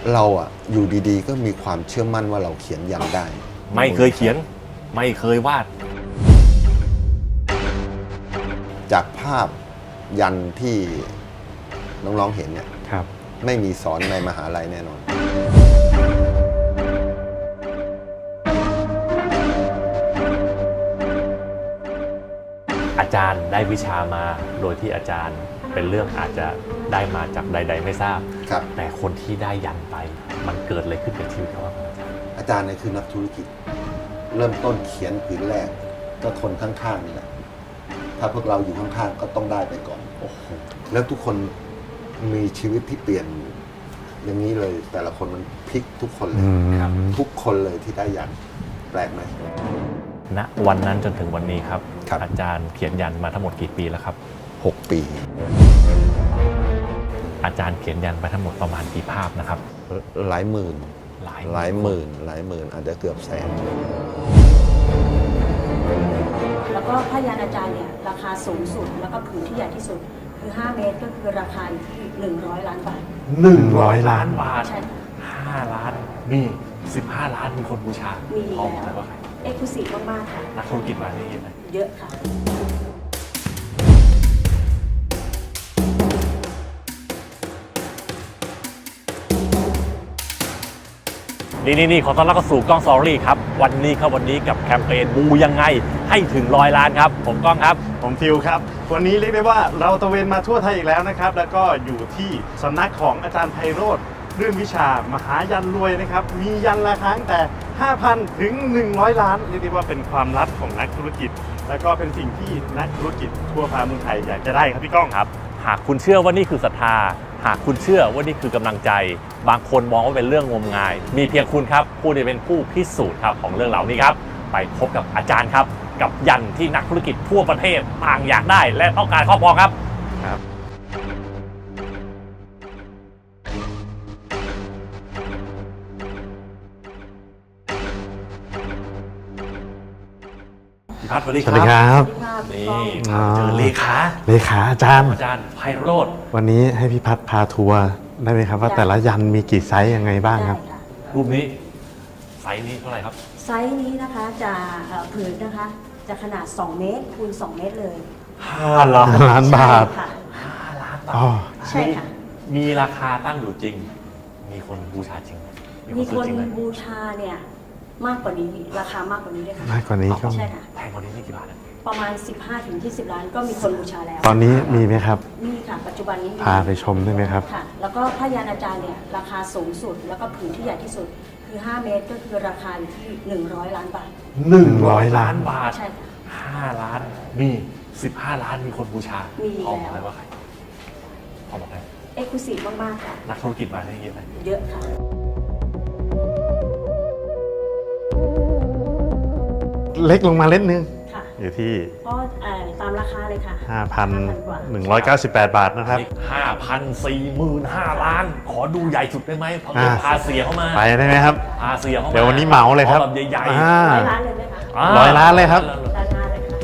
เราอะอยู่ดีๆก็มีความเชื่อมั่นว่าเราเขียนยันได้ไม่เคยเขียนไม่เคยวาดจากภาพยันที่น้องๆเห็นเนี่ยครับไม่มีสอนในมหาลัยแน่นอนอาจารย์ได้วิชามาโดยที่อาจารย์เป็นเรื่องอาจจะได้มาจากใด ๆ ไม่ทราบครับแต่คนที่ได้ยันไป มันเกิดอะไรขึ้นกับชีวิตเขาบ้างครับอาจารย์อาจารย์เนี่ยคือนักธุรกิจ เริ่มต้นเขียนผืนแรก ก็ทนข้างๆนี่แหละถ้าพวกเราอยู่ข้างๆก็ต้องได้ไปก่อนโอ้โหแล้วทุกคนมีชีวิตที่เปลี่ยนอย่างนี้เลย แต่ละคนมันพลิกทุกคนเลยครับทุกคนเลยที่ได้ยันแปลกไหมณวันนั้นจนถึงวันนี้ครับครับอาจารย์เขียนยันมาทั้งหมดกี่ปีแล้วครับ 6 ปีอาจารย์เขียนยันไปทั้งหมดประมาณกี่ภาพนะครับหลายหมื่นหลายหลายหมื่นอาจจะเกือบแสนแล้วก็ผ้ายันอาจารย์เนี่ยราคาสูงสุดแล้วก็ผืนที่ใหญ่ที่สุดคือ 5 เมตรก็คือราคาอยู่ที่100 ล้านบาท 100 ล้านบาทใช่ค่ะ 5 ล้านนี่15 ล้านมีคนบูชามีพอแล้วไหมว่าใครเอกลุศิมากๆค่ะนักธุรกิจมานี่เยอะไหมเยอะค่ะนี่ขอต้อนรับเข้าสู่กล้องสตอรี่ครับวันนี้กับแคมเปญบูยังไงให้ถึง100 ล้านครับผมก้องครับผมฟิวครับ วันนี้เรียกได้ว่าเราตระเวนมาทั่วไทยอีกแล้วนะครับ แล้วก็อยู่ที่สำนักของอาจารย์ไพโรจน์เรื่องวิชามหายันรวยนะครับ มียันราคาตั้งแต่ 5,000 ถึง 100 ล้าน เรียกได้ว่าเป็นความลับของนักธุรกิจ แล้วก็เป็นสิ่งที่นักธุรกิจทั่วฟ้าเมืองไทยอยากจะได้ครับพี่ก้องครับหากคุณเชื่อว่านี่คือศรัทธาหากคุณเชื่อว่านี่คือกำลังใจ บางคนมองว่าเป็นเรื่องงมงาย มีเพียงคุณครับผู้ที่เป็นผู้พิสูจน์ครับของเรื่องเหล่านี้ครับไปพบกับอาจารย์ครับกับยันที่นักธุรกิจทั่วประเทศต่างอยากได้ และต้องการครอบครองครับครับพี่พัฒน์สวัสดีสวัสดีคครับ รับนี่อ๋อเจอเลขาเลขาอาจารย์อาจารย์ไพโรจน์วันนี้ให้พี่พัฒน์พาทัวร์ได้ไหมครับว่าแต่ละยันมีกี่ไซส์ยังไงบ้างครับได้ค่ะรูปนี้ไซส์นี้เท่าไหร่ครับไซส์นี้นะคะจะผืนนะคะจะขนาด 2 เมตรคูณ 2 เมตรเลย 5 ล้านล้านบาทใช่ค่ะ 5 ล้านบาอ๋อทใช่ค่ะมีราคาตั้งอยู่จริง มีคนบูชาจริงไหมมีซื้คอน จริงไหมบูชาเนี่ยมากกว่านี้ราคามากกว่านี้ด้วยค่ะมากกว่านี้ก็ใช่ค่ะแพงกว่านี้นี่กี่บาทอะประมาณ 15-20 ล้านก็มีคนบูชาแล้วตอนนี้มีไหมครับมีค่ะปัจจุบันนี้มีพาไปชมได้ไหมครับค่ะ แล้วก็ผ้ายันอาจารย์เนี่ยราคาสูงสุดแล้วก็ผืนที่ใหญ่ที่สุดคือ 5 เมตรก็คือราคาอยู่ที่100 ล้านบาท 100 ล้านบาทใช่ค่ะ 5 ล้านมี15 ล้านมีคนบูชามีพอบอกแล้วเลยว่าใครพอบอกเลยเอกลุศิมากๆค่ะนักธุรกิจมาได้เยอะไหมเยอะค่ะเล็กลงมาเล็กนึงค่ะอยู่ที่ก็ตามราคาเลยค่ะ กว่า 5,198 บาทนะครับ 5,045 ล้าน ขอดูใหญ่สุดได้ไหมเพราะเงินพาเสียเข้ามาไปได้ไหมครับพาเสียเข้ามาเดี๋ยววันนี้เหมาเลยครับขอแบบใหญ่อ่าร้อยล้านเลยไหมคะๆ 100 ล้านเลยครับร้อยล้านเลยค่ะ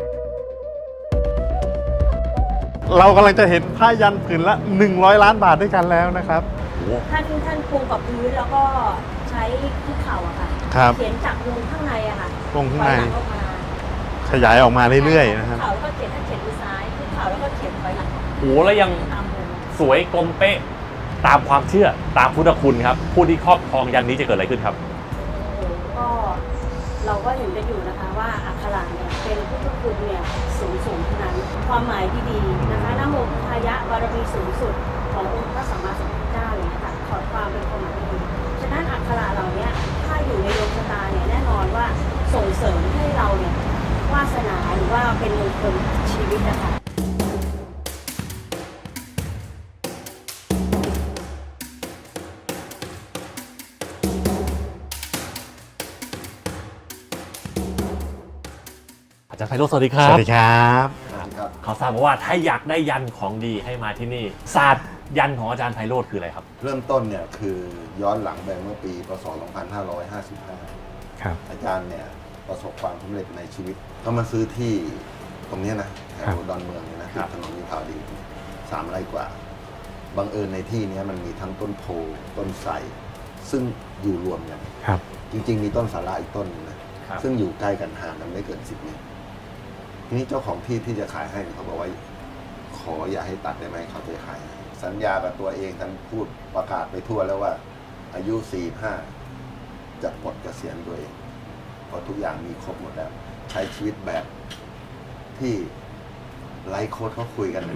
เรากำลังจะเห็นผ้ายันผืนละ 100 ล้านบาทด้วยกันแล้วนะครับโอ้โหท่านปูกับพื้นแล้วก็ใช้ที่เข่าอะค่ะครับเขียนจากวงข้างในอะค่ะวงข้างในถอยหลัออกมาขยายออกมาเรื่อยๆนะครับเข่าแล้วก็เขียนถ้าเขียนมือซ้ายที่เข่าแล้วก็เขียนถอยหลังโอ้โหแล้วยังตามวงสวยกลมเป๊ะ ตามความเชื่อตามพุทธคุณครับ ผู้ที่ครอบครองยันนี้จะเกิดอะไรขึ้นครับก็เราก็เห็นกันอยู่นะคะว่าอักขระเนี่ยเป็นพุทธคุณเนี่ยสูงทั้งนั้น ความหมายดีๆนะคะนะโมพุทธายะบารมีสูงสุดขององค์พระสัมมาสัมพุทธเจ้าเลยนะคะขอความเป็นความหมายดีๆฉะนั้นอักขระเหล่านี้ถ้าอยู่ในดวงชะตาเนี่ยแน่นอนว่าส่งเสริมให้เราเนี่ยวาสนาหรือว่าเป็นมงคลชีวิตนะคะอาจารย์ไพโรจน์สวัสดีครับสวัสดีครับครับเขาทราบมาว่าถ้าอยากได้ยันของดีให้มาที่นี่ศาสตร์ยันของอาจารย์ไพโรจน์คืออะไรครับเริ่มต้นเนี่ยคือย้อนหลังไปเมื่อปีพศ 2555 ครับอาจารย์เนี่ยประสบความสำเร็จในชีวิตก็มาซื้อที่ตรงเนี้ยนะแถครัวบดอนเมืองเนี่ยนะครัติดบถนนวิภาวดี3 ไร่กว่าบังเอิญในที่เนี้ยมันมีทั้งต้นโพต้นไทรซึ่งอยู่รวมกันครับจริง ๆ มีต้นสาระอีกต้นหนึงนะครับ ซึ่งอยู่ใกล้กันห่างกันไม่เกิน10 เมตรทีนี้เจ้าของที่ที่จะขายให้เขาบอกว่าขออย่าให้ตัดได้ไหมเขาจะขายให้สัญญากับตัวเองท่านพูดประกาศไปทั่วแล้วว่า อายุ 45 จะปลดเกษียณตัวเองเพราะทุกอย่างมีครบหมดแล้ว ใช้ชีวิตแบบที่ไลฟ์โค้ดเขาคุยกัน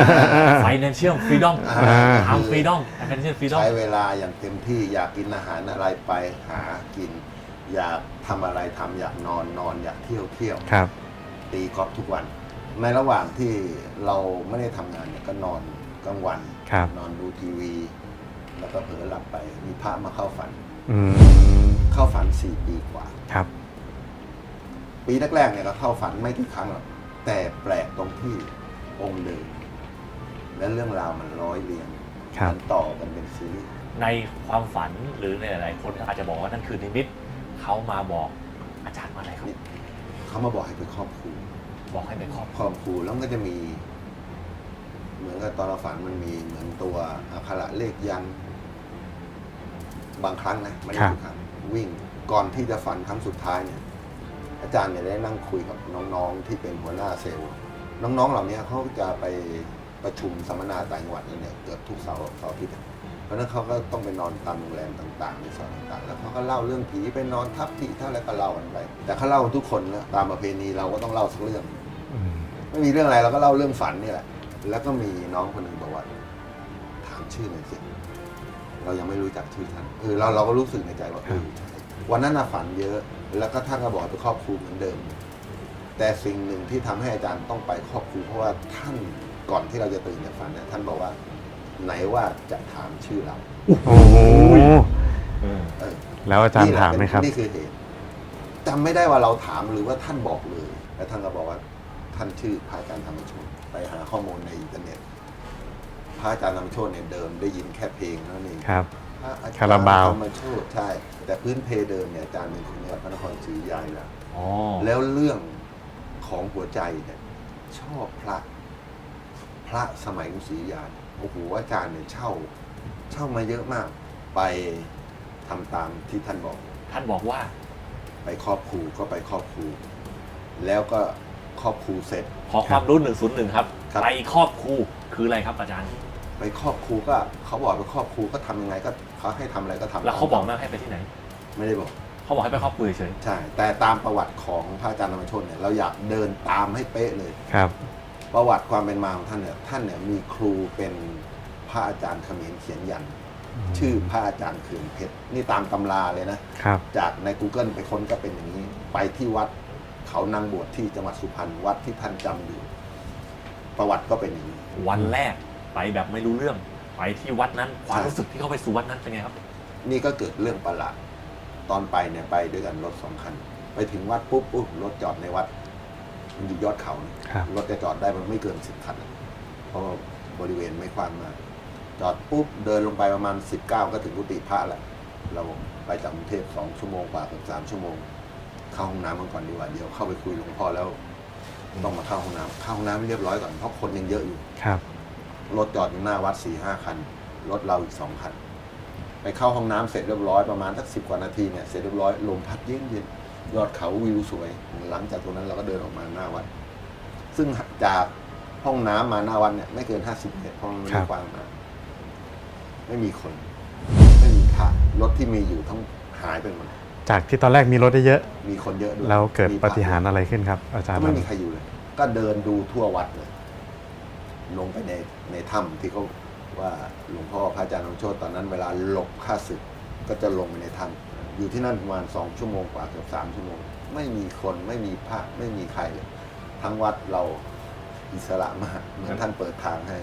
financial freedom ทำ freedom financial freedom ใช้เวลาอย่างเต็มที่อยากกินอาหารอะไรไปหากิน อยากทำอะไรทำอยากนอนอยากเที่ยวครับตีกอล์ฟทุกวัน ในระหว่างที่เราไม่ได้ทำงานเนี่ยก็นอนกลางวันครับนอนดูทีวี แล้วก็เผลอหลับไป มีพระมาเข้าฝันอืมเข้าฝัน4 ปีกว่าครับปีแรกๆเนี่ยก็เข้าฝันไม่กี่ครั้งหรอกแต่แปลกตรงที่องค์เดิมและเรื่องราวมันร้อยเรียงครับมันต่อกันเป็นซีรีส์ในความฝันหรือในหลายๆคนอาจจะบอกว่านั่นคือนิมิตเขามาบอกอาจารย์ว่าอะไรครับเขามาบอกให้ไปครอบครูบอกให้ไปครอบครอบครูแล้วมันก็จะมี เหมือนกับตอนเราฝันมันมีเหมือนตัวอักขระเลขยันต์บางครั้งนะไม่ได้ทุกครั้งวิ่งก่อนที่จะฝันครั้งสุดท้ายเนี่ย อาจารย์เนี่ยได้นั่งคุยกับน้องๆที่เป็นหัวหน้าเซลล์น้องๆเหล่านี้เขาจะไปประชุมสัมมนาต่างจังหวัดเนี่ยเกือบทุกเสาร์อาทิตย์เพราะฉะนั้นเขาก็ต้องไปนอนตามโรงแรมต่างๆในซอยต่างๆแล้วเขาก็เล่าเรื่องผีไปนอนทับที่เท่าไรก็เล่ากันไปแต่เขาเล่าทุกคนนะตามประเพณีเราก็ต้องเล่าสักเรื่องอืมไม่มีเรื่องอะไรเราก็เล่าเรื่องฝันนี่แหละแล้วก็มีน้องคนหนึ่งบอกว่าถามชื่อหน่อยสิเรายังไม่รู้จักชื่อท่านเราก็รู้สึกในใจว่าวันนั้นน่ะฝันเยอะแล้วก็ท่านก็บอกไปครอบครูเหมือนเดิม แต่สิ่งหนึ่งที่ทำให้อาจารย์ต้องไปครอบครูเพราะว่าท่านก่อนที่เราจะตื่นจากฝันเนี่ยท่านบอกว่าไหนว่าจะถามชื่อเราโอ้โหเออแล้วอาจารย์ถามไหมครับนี่คือเหตุจำไม่ได้ว่าเราถามหรือว่าท่านบอกเลยแล้วท่านก็บอกว่าท่านชื่อพระอาจารย์ธรรมโชติไปหาข้อมูลในอินเทอร์เน็ตพระอาจารย์ธรรมโชติเนี่ยเดิมได้ยินแค่เพลงเท่านั้นเองครับพระอาจารย์คาราบาวธรรมโชติใช่ แต่พื้นเพเดิมเนี่ยอาจารย์เป็นคนจังหวัดพระนครศรีอยุธยาอยู่แล้วอ๋อแล้วเรื่องของหัวใจเนี่ยชอบพระสมัยกรุงศรีอยุธยาโอ้โหอาจารย์เนี่ยเช่ามาเยอะมาก ไปทำตามที่ท่านบอกท่านบอกว่าไปครอบครูก็ไปครอบครู แล้วก็ครอบครูเสร็จขอความรู้101ครับครับไปครอบครูคืออะไรครับอาจารย์ไปครอบครูก็เขาบอกไปครอบครูก็ทำยังไงก็เขาให้ทำอะไรก็ทำแล้วเขาบอกไหมให้ไปที่ไหนไม่ได้บอกเขาบอกให้ไปครอบครูเฉยใช่ แต่ตามประวัติของพระอาจารย์ธรรมโชติเนี่ยเราอยากเดินตามให้เป๊ะเลยครับประวัติความเป็นมาของท่านเนี่ยมีครูเป็นพระอาจารย์เขมรเขียนยันต์ชื่อพระอาจารย์เขื่อนเพชรนี่ตามตำราเลยนะครับจากใน Google ไปค้นก็เป็นอย่างนี้ ไปที่วัดเขานางบวชที่จังหวัดสุพรรณวัดที่ท่านจำอยู่ ประวัติก็เป็นอย่างนี้ๆวันแรกไปแบบไม่รู้เรื่อง ไปที่วัดนั้นความรู้สึกที่เขาไปสู่วัดนั้นเป็นไงครับนี่ก็เกิดเรื่องประหลาดตอนไปเนี่ยไปด้วยกันรถ2 คัน ไปถึงวัดปุ๊บรถจอดในวัด มันอยู่ยอดเขาเนี่ยครับรถจะจอดได้มันไม่เกิน10 คัน เพราะว่าบริเวณไม่กว้างมากจอดปุ๊บเดินลงไปประมาณ19ก็ถึงกุฏิพระแหละเราไปจากกรุงเทพ2 ชั่วโมงกว่าเกือบ3 ชั่วโมง เข้าห้องน้ำกันก่อนดีกว่าเดี๋ยวเข้าไปคุยหลวงพ่อแล้วต้องมาเข้าห้องน้ำเข้าห้องน้ำให้เรียบร้อยก่อนเพราะคนยังเยอะอยู่ครับรถจอดอยู่หน้าวัด 4-5 คัน รถเราอีก2 คัน ไปเข้าห้องน้ำเสร็จเรียบร้อยประมาณสัก10 กว่านาทีเนี่ยเสร็จเรียบร้อยลมพัดเย็นๆยอดเขาวิวสวย หลังจากตรงนั้นเราก็เดินออกมาหน้าวัด ซึ่งจากห้องน้ำมาหน้าวัดเนี่ยไม่เกิน50 เมตรเพราะมันไม่ได้กว้างมากไม่มีคน ไม่มีพระรถที่มีอยู่ทั้งหายไปหมดจากที่ตอนแรกมีรถได้เยอะมีคนเยอะด้วยแล้วเกิดมีพปาฏิหาริย์อะไรขึ้นครับ อาจารย์ก็ไม่มีใครอยู่เลย ก็เดินดูทั่ววัดเลย ลงไปในถ้ำที่เขาว่าหลวงพ่อพระอาจารย์ธรรมโชติตอนนั้นเวลาหลบข้าศึกก็จะลงไปในถ้ำอยู่ที่นั่นประมาณ2 ชั่วโมงกว่าเกือบ3 ชั่วโมง ไม่มีคนไม่มีพระไม่มีใครเลย ทั้งวัดเราอิสระมากเหมือนท่านเปิดทางให้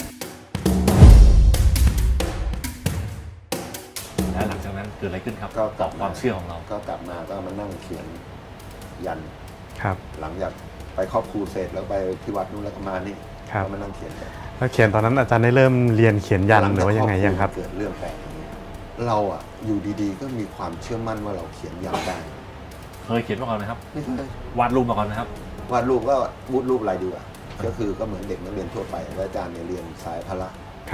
แล้วหลังจากนั้นเกิดอะไรขึ้นครับก็ตอบความเชื่อของเราก็กลับมาก็มานั่งเขียนยันครับหลังจากไปครอบครูเสร็จแล้วไปที่วัดนู้นแล้วก็มานี่ครับก็มานั่งเขียนยันแล้วเขียนตอนนั้นอาจารย์ได้เริ่มเรียนเขียนยันหรือว่ายังไงยังครับเกิดเรื่องแปลกอย่างนี้เราอะอยู่ดีๆ ก็มีความเชื่อมั่นว่าเราเขียนยันได้เคยเขียนมาก่อนไหมครับไม่เคยวาดรูปมาก่อนไหมครับวาดรูปก็วูดรูปอะไรดีกว่าก็คือก็เหมือนเด็กนักเรียนทั่วไปแล้วอาจารย์เนี่ยเรียนสายพละครับ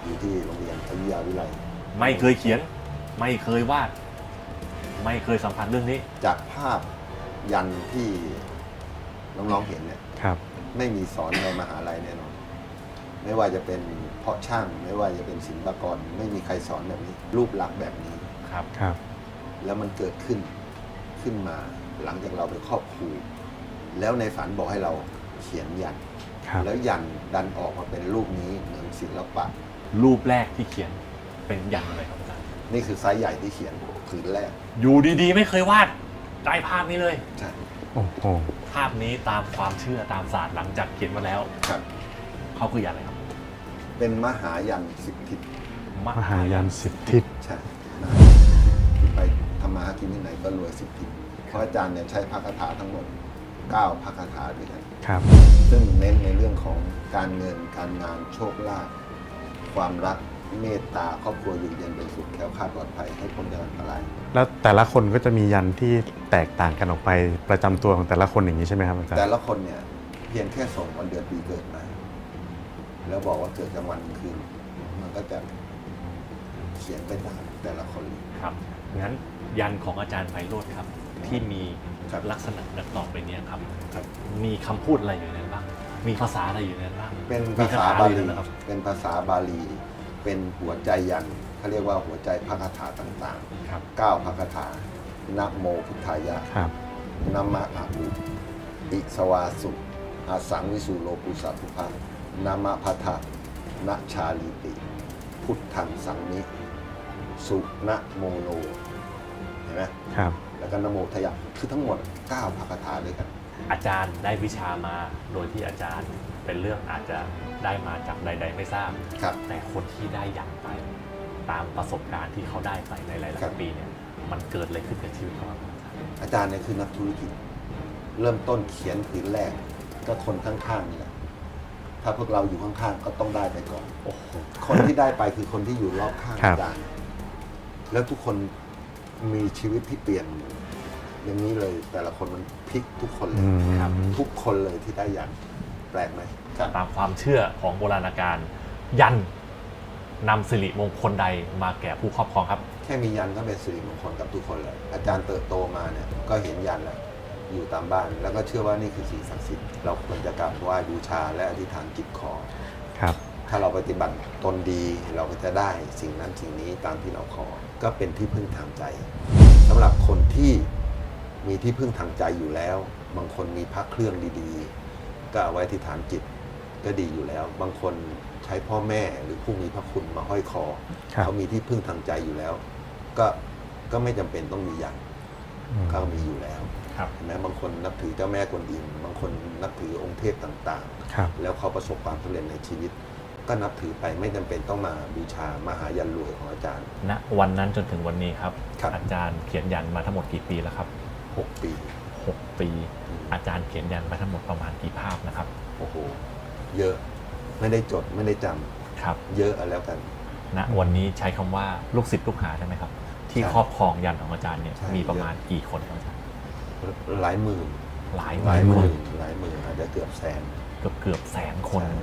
อยู่ที่โรงเรียนอยุธยาวิไลไม่เคยเขียน ไม่เคยวาด ไม่เคยสัมผัสเรื่องนี้จากภาพยันที่น้องๆเห็นเนี่ยครับไม่มีสอนในมหาลัยแน่นอนไม่ว่าจะเป็นเพาะช่างไม่ว่าจะเป็นศิลปากรไม่มีใครสอนแบบนี้ รูปลักษณ์แบบนี้ครับครับแล้วมันเกิดขึ้นมาหลังจากเราไปครอบครูแล้วในฝันบอกให้เราเขียนยันครับแล้วยันดันออกมาเป็นรูปนี้เหมือนศิลปะรูปแรกที่เขียนเป็นยันอะไรครับอาจารย์นี่คือไซส์ใหญ่ที่เขียนผืนแรกอยู่ดีๆ ไม่เคยวาดได้ภาพนี้เลยใช่โอ้โหภาพนี้ตามความเชื่อตามศาสตร์หลังจากเขียนมาแล้วครับเขาคือยันอะไรครับเป็นมหายันสิบทิศมหายันสิบทิศใช่ไปทำมาหากินที่ไหนก็รวยสิบทิศเพราะอาจารย์เนี่ยใช้พระคาถาทั้งหมด9พระคาถาด้วยกันครับซึ่งเน้นในเรื่องของการเงินการงานโชคลาภความรักเมตตาครอบครัวอยู่เย็นเป็นสุขแคล้วคลาดปลอดภัยให้พ้นจากอันตรายแล้วแต่ละคนก็จะมียันที่แตกต่างกันออกไปประจำตัวของแต่ละคนอย่างนี้ใช่ไหมครับอาจารย์แต่ละคนเนี่ยเพียงแค่ส่งวันเดือนปีเกิดมา แล้วบอกว่าเกิดกลางวันกลางคืนมันก็จะเขียนไปตามแต่ละคนครับงั้นยันของอาจารย์ไพโรจน์ครับ ที่มีครับลักษณะดังต่อไปเนี้ครับครับมีคำพูดอะไรอยู่ในนั้นบ้าง มีภาษาอะไรอยู่ในนั้นบ้างเป็นมีภาคษาถบาอะไรลีนะครับเป็นภาษาบาลี เป็นหัวใจยันเขาเรียกว่าหัวใจพระคาถาต่างครับๆ9พระคาถานะโมพุทธายะครับนะมะอาหุอิสวาสุอาสังวิสุโลปุสัพพุพังนามะพัทธะนะชาลิติ พุทธังสังนิสุนะโมโลเห็นไหมครับแล้วก็นะโมทยะคือทั้งหมด9พระคาถาด้วยกันอาจารย์ได้วิชามาโดยที่อาจารย์เป็นเรื่องอาจจะได้มาจากใด ๆ ไม่ทราบครับแต่คนที่ได้ยันไป ตามประสบการณ์ที่เขาได้ไปในหลายครับๆปีเนี่ยมันเกิดอะไรขึ้นกับชีวิตเขาบ้างครับอาจารย์เนี่ยคือนักธุรกิจ เริ่มต้นเขียนผืนแรก ก็คนข้างๆนี่แหละถ้าพวกเราอยู่ข้างๆก็ต้องได้ไปก่อนโอ้โหคนที่ได้ไปคือคนที่อยู่รอบข้างครับอาจารย์ แล้วทุกคนมีชีวิตที่เปลี่ยน อย่างนี้เลย แต่ละคนมันพลิกทุกคนเลอืยมครับทุกคนเลยที่ได้ยันแปลกไหมครับตามความเชื่อของโบราณกาลยันนำสิริมงคลใดมาแก่ผู้ครอบครองครับแค่มียันก็เป็นสิริมงคลกับทุกคนเลย อาจารย์เติบโตมาเนี่ยก็เห็นยันแล้วอยู่ตามบ้าน แล้วก็เชื่อว่านี่คือสิ่งศักดิ์สิทธิ์เราควรจะกราบไหว้บูชาและอธิษฐานจิตขอครับถ้าเราปฏิบัติตนดีเราก็จะได้สิ่งนั้นสิ่งนี้ตามที่เราขอ ก็เป็นที่พึ่งทางใจสำหรับคนที่มีที่พึ่งทางใจอยู่แล้ว บางคนมีพระเครื่องดีๆ ก็เอาไว้ที่ฐานจิตก็ดีอยู่แล้ว บางคนใช้พ่อแม่หรือผู้มีพระคุณมาห้อยคอครับเขามีที่พึ่งทางใจอยู่แล้ว ก็ไม่จำเป็นต้องมีอย่างอืมเขามีอยู่แล้วครับเห็นไหมบางคนนับถือเจ้าแม่กวนอิมบางคนนับถือองค์เทพต่างๆครับแล้วเขาประสบความสำเร็จในชีวิต ก็นับถือไปไม่จำเป็นต้องมาบูชามหายันรวยของอาจารย์ณวันนั้นจนถึงวันนี้ครับครับอาจารย์เขียนยันมาทั้งหมดกี่ปีแล้วครับ 6 ปี 6 ปี อาจารย์เขียนยันมาทั้งหมดประมาณกี่ภาพนะครับโอ้โห เยอะไม่ได้จดไม่ได้จำครับเยอะเอาแล้วกันณวันนี้ใช้คำว่าลูกศิษย์ลูกหาได้ไหมครับ ที่ใช่ครอบครองยันของอาจารย์เนี่ยใช่มีประมาณกี่คนครับอาจารย์หลายหมื่นหลายหลายหคมื่นนหลายหมื่นอาจจะเกือบแสนเกือบแสนคนใช่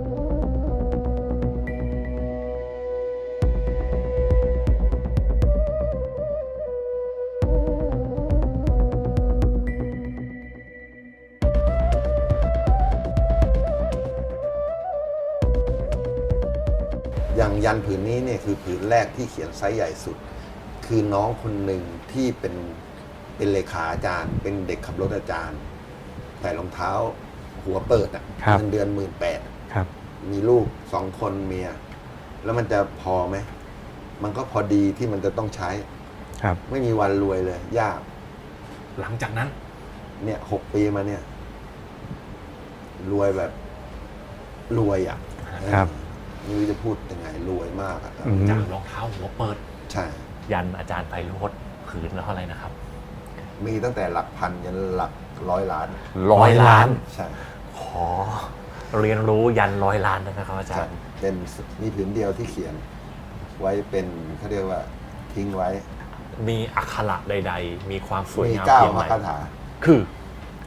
อย่างยันผืนนี้เนี่ยคือผืนแรกที่เขียนไซส์ใหญ่สุด คือน้องคนหนึ่งที่เป็นเลขาอาจารย์ เป็นเด็กขับรถอาจารย์ใส่รองเท้าหัวเปิดอ่ะครับเงินเดือน18,000 ครับมีลูก2 คนเมีย แล้วมันจะพอไหม มันก็พอดีที่มันจะต้องใช้ครับไม่มีวันรวยเลย ยากหลังจากนั้นเนี่ย6 ปีมาเนี่ย รวยแบบรวยอ่ะครับไม่รู้จะพูดยังไงรวยมากอะครับอืมจากรองเท้าหัวเปิดใช่ยันอาจารย์ไพโรจน์ผืนละเท่าไหร่นะครับมีตั้งแต่หลักพันยันหลัก100 ล้าน 100 ล้านใช่ขอเรียนรู้ยัน100 ล้านได้ไหมครับอาจาใช่รย์เป็นมีผืนเดียวที่เขียน ไว้เป็นเขาเรียกว่าทิ้งไว้มีอักขระใด ๆ มีความสวยมีงาม 9 เพียงพไรระคาถาคือ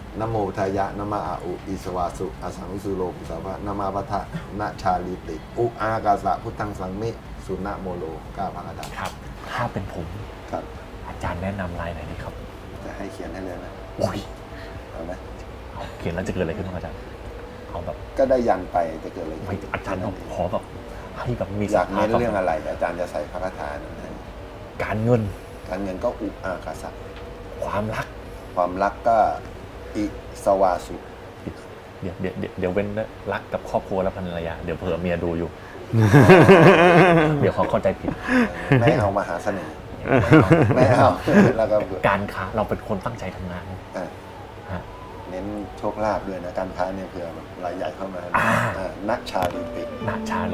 นะโมพุทธายะนะมาอาอุอิสวาสุอสังวิสุโลกุสาวะนะมาพัทธะนะชาลิติอุอากาสะพุทธังสังมิสุนะโมโลก้าพังอาจารย์ครับ ถ้าเป็นผมครับอาจารย์แนะนำลายไหนดีครับจะให้เขียนให้เลยนะโอ้ยเอาไหมเอาเขียนแล้วจะเกิดอะไรขึ้นบ้างอาจารย์เอาแบบก็ได้ยันไปจะเกิดอะไรไม่ขึ้นอาจารย์ต้องขอแบบให้แบบมีอยากเน้นศรัทธาเรื่องอะไรอาจารย์จะใส่พระคาถานั้นให้การเงินการเงินก็อุอากาสะความรักความรักก็อิสวาสุเดี๋ยวเว้นรักกับครอบครัวและภรรยาเดี๋ยวเผื่อเมียดูอยู่ เดี๋ยวเขาเข้าใจผิดไม่เอามหาเสน่ห์ไม่เอาแล้วก็การค้าเราเป็นคนตั้งใจทำงานอ่ะฮะเน้นโชคลาภด้วยนะการค้าเนี่ยเผื่อแบบรายใหญ่เข้ามาอ่านักชาลิตินาชาลี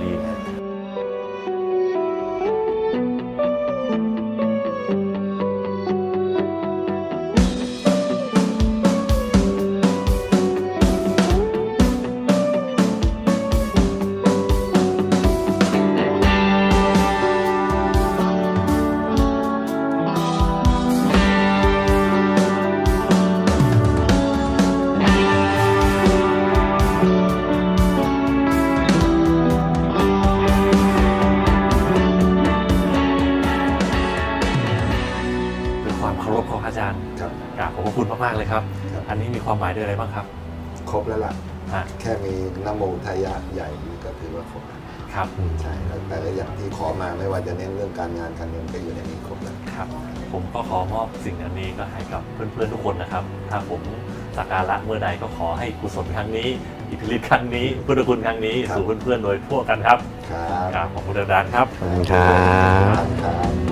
ด้วยความเคารพของอาจารย์ครับกราบขอบพระคุณมากๆเลยครับครับอันนี้มีความหมายด้วยอะไรบ้างครับครบแล้วล่ะฮะแค่มีนะโมทายะใหญ่นี่ก็ถือว่าครบแล้วครับใช่แล้วแต่ละอย่างที่ขอมาไม่ว่าจะเน้นเรื่องการงานการเงินก็อยู่ในนี้ครบแล้วครับ ผมก็ขอมอบสิ่งอันนี้ก็ให้กับเพื่อนๆทุกคนนะครับ ถ้าผมสักการะเมื่อใดก็ขอให้กุศลครั้งนี้อิทธิฤทธิ์ครั้งนี้พุทธคุณครั้งนี้สู่เพื่อนๆโดยทั่วกันครับครับกราบขอบคุณอาจารย์ครับขอบคุณครับครับ